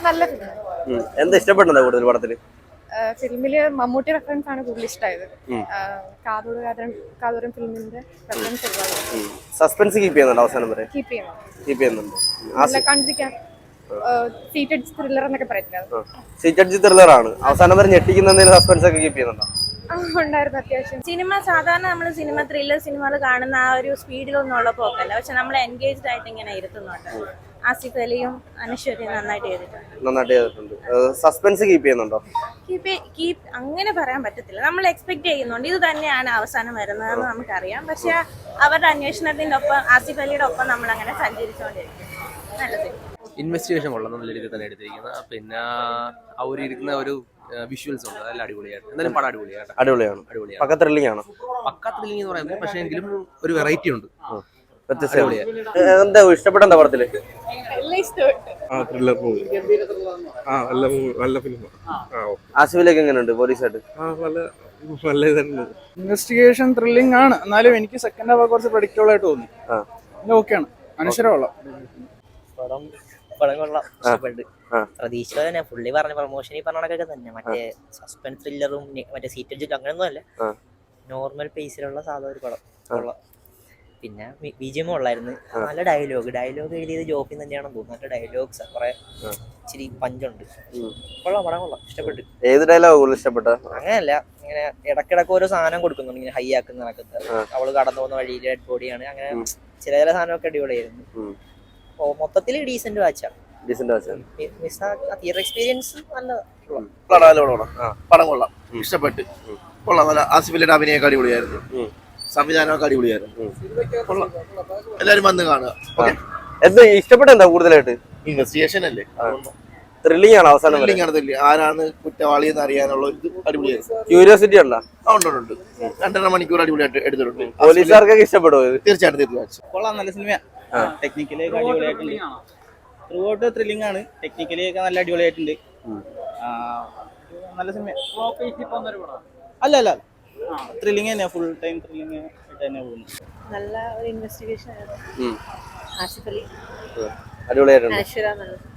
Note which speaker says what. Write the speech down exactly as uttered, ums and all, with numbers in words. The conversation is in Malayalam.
Speaker 1: നല്ല ഫിലിം.
Speaker 2: എന്താ ഇഷ്ടപ്പെട്ടത് കൂടുതൽ പടത്തില്?
Speaker 1: ഫിലിമില് മമ്മൂട്ടി റെഫറൻസ് ആണ് കൂടുതൽ ഇഷ്ടമായത്. കാതോട് കാതോരം ഫിലിമിന്റെ റെഫറൻസ് ഒരുപാട്.
Speaker 2: സസ്പെൻസ് കീപ്പ് ചെയ്യുന്നുണ്ട് അവസാനം വരെ?
Speaker 1: കീപ്പ് ചെയ്യണം.
Speaker 2: കീപ്പ് ചെയ്യുന്നുണ്ട്.
Speaker 1: നല്ല കണ്ടിരിക്കാൻ സീറ്റഡ് ത്രില്ലർ എന്നൊക്കെ പറയില്ല,
Speaker 2: സീറ്റഡ് ത്രില്ലർ ആണ്. അവസാനം വരെ ഞെട്ടിക്കുന്ന സസ്പെൻസ് ഒക്കെ കീപ്പ് ചെയ്യുന്നുണ്ടോ?
Speaker 1: ഉണ്ടായിരുന്നു അത്യാവശ്യം.
Speaker 3: സിനിമ സാധാരണ നമ്മൾ സിനിമ ത്രില്ലർ സിനിമകൾ കാണുന്ന ആ ഒരു സ്പീഡിലൊന്നും ഉള്ള പോക്കല്ല, പക്ഷെ നമ്മൾ എൻഗേജ്ഡ് ആയിട്ട് ഇങ്ങനെ ഇരുത്തുന്നുണ്ട്. ആസിഫ് അലിയും അനശ്വരയും നന്നായിട്ട് ചെയ്തിട്ടുണ്ട്.
Speaker 2: നന്നായിട്ട് ചെയ്തിട്ടുണ്ട്. സസ്പെൻസ് കീപ്പ് ചെയ്യുന്നുണ്ടോ?
Speaker 3: കീപ്പ് കീപ്പ് അങ്ങനെ പറയാൻ പറ്റത്തില്ല, നമ്മൾ എക്സ്പെക്ട് ചെയ്യുന്നുണ്ട് ഇത് തന്നെയാണ് അവസാനം വരുന്നതെന്ന് നമുക്കറിയാം. പക്ഷെ അവരുടെ അന്വേഷണത്തിന്റെ ഒപ്പം ആസിഫ് അലിയുടെ ഒപ്പം നമ്മൾ അങ്ങനെ സഞ്ചരിച്ചുകൊണ്ടിരിക്കും. നല്ല സിനിമ.
Speaker 4: ഇൻവെസ്റ്റിഗേഷൻ കൊള്ളാം, നല്ല രീതിയിൽ തന്നെ എടുത്തിരിക്കുന്നത്. പിന്നെ ആ ഒരു ഇരിക്കുന്ന ഒരു വിഷ്വൽസ് ഉണ്ട്, അതെല്ലാം അടിപൊളിയായിട്ട്. എന്തായാലും പടം അടിപൊളിയാണ്.
Speaker 2: അടിപൊളിയാണ്
Speaker 4: അടിപൊളിയാണ്.
Speaker 2: പക്ക ത്രില്ലിംഗ് ആണ്.
Speaker 4: പക്ക ത്രില്ലിംഗ് എന്ന് പറയുന്നത് പക്ഷേ എങ്കിലും ഒരു വെറൈറ്റി ഉണ്ട്.
Speaker 2: എന്താ ഇഷ്ടപ്പെട്ട എന്താ പടത്തില്? ആസിഫിലേക്ക് എങ്ങനെയുണ്ട് പോലീസായിട്ട്?
Speaker 5: ഇൻവെസ്റ്റിഗേഷൻ ത്രില്ലിംഗ് ആണ്, എന്നാലും എനിക്ക് സെക്കൻഡ് ഹാഫ് കുറച്ച് പ്രഡിക്റ്റബിൾ ആയിട്ട് തോന്നി. ഓക്കെയാണ്, അനശ്വരമുള്ള
Speaker 6: പടം. പടം കൊള്ളാം, ഇഷ്ടപ്പെട്ടു. പ്രതീക്ഷിച്ചത് തന്നെ. പുള്ളി പറഞ്ഞ പ്രൊമോഷനിൽ പറഞ്ഞൊക്കെ തന്നെ, മറ്റേ സസ്പെൻസ് ത്രില്ലറും മറ്റേ സീറ്റഡ് ജിറ്റ് അങ്ങനെയൊന്നും അല്ല, നോർമൽ പേസിലുള്ള സാധാ ഒരു പടം. കൊള്ളാം. പിന്നെ വിജയം ഉള്ളായിരുന്നു. നല്ല ഡയലോഗ് ഡയലോഗ് എഴുതിയത് ജോഫിൻ തന്നെയാണെന്ന് തോന്നുന്നു. നല്ല ഡയലോഗ്സ് കുറെ ഇച്ചിരി പഞ്ചുണ്ട്. കൊള്ളാം, പടം കൊള്ളാം, ഇഷ്ടപ്പെട്ടു.
Speaker 2: ഏത് ഡയലോഗ് ഇഷ്ടപ്പെട്ട?
Speaker 6: അങ്ങനെയല്ല, ഇങ്ങനെ ഇടക്കിടക്ക് ഓരോ സാധനം കൊടുക്കുന്നുണ്ട്, ഇങ്ങനെ ഹൈ ആക്കുന്ന നടക്കുന്നത്. അവള് കടന്നു പോകുന്ന വഴിയിൽ ഡെഡ് ബോഡിയാണ്, അങ്ങനെ ചില ചില സാധനമൊക്കെ അടിപൊളിയായിരുന്നു. ഓ മൊത്തത്തിൽ ഡീസന്റ് വാച്ചാണ്. തിയേറ്റർ എക്സ്പീരിയൻസ് നല്ലതാണ്.
Speaker 7: പടം കൊള്ളാം, ഇഷ്ടപ്പെട്ട്. കൊള്ളാം, നല്ല ആസിഫിന്റെ അഭിനയൊക്കെ അടിപൊളിയായിരുന്നു, സംവിധാനമൊക്കെ അടിപൊളിയായിരുന്നു. കൊള്ളാം, എല്ലാരും വന്ന് കാണുക.
Speaker 2: എന്താ ഇഷ്ടപ്പെട്ട എന്താ കൂടുതലായിട്ട്?
Speaker 7: ഇൻവെസ്റ്റിഗേഷൻ അല്ലേ,
Speaker 2: ത്രില്ലിംഗ് ആണ്. അവസാനം
Speaker 7: ആരാണ് കുറ്റവാളി എന്ന് അറിയാനുള്ള ഒരു അടിപൊളിയായിരുന്നു.
Speaker 2: ക്യൂരിയോസിറ്റി ഉണ്ടോ?
Speaker 7: ഉണ്ട്. രണ്ടര മണിക്കൂർ അടിപൊളിയായിട്ട് എടുത്തിട്ടുണ്ട്.
Speaker 2: പോലീസുകാർക്കൊക്കെ ഇഷ്ടപ്പെടുമോ?
Speaker 7: തീർച്ചയായിട്ടും തീർച്ചയായിട്ടും
Speaker 8: കൊള്ളാം, നല്ല സിനിമ. ടെക്നിക്കലി ഒക്കെ അടിപൊളിയായിട്ടുണ്ട്. ത്രൂ ഔട്ട് ത്രില്ലിംഗ് ആണ്, ടെക്നിക്കലി ഒക്കെ നല്ല അടിപൊളിയായിട്ടുണ്ട്. നല്ല സിനിമ. അല്ല അല്ല ത്രില്ലിംഗ് തന്നെ, ഫുൾ ടൈം ത്രില്ലിംഗ് ആയിട്ട് തന്നെ പോകുന്നു.
Speaker 3: നല്ല ഒരു ഇൻവെസ്റ്റിഗേഷൻ ആയിരുന്നു. ആസിഫ് അലി
Speaker 2: അടിപൊളിയായിട്ടുണ്ട്.
Speaker 3: അനശ്വര നല്ല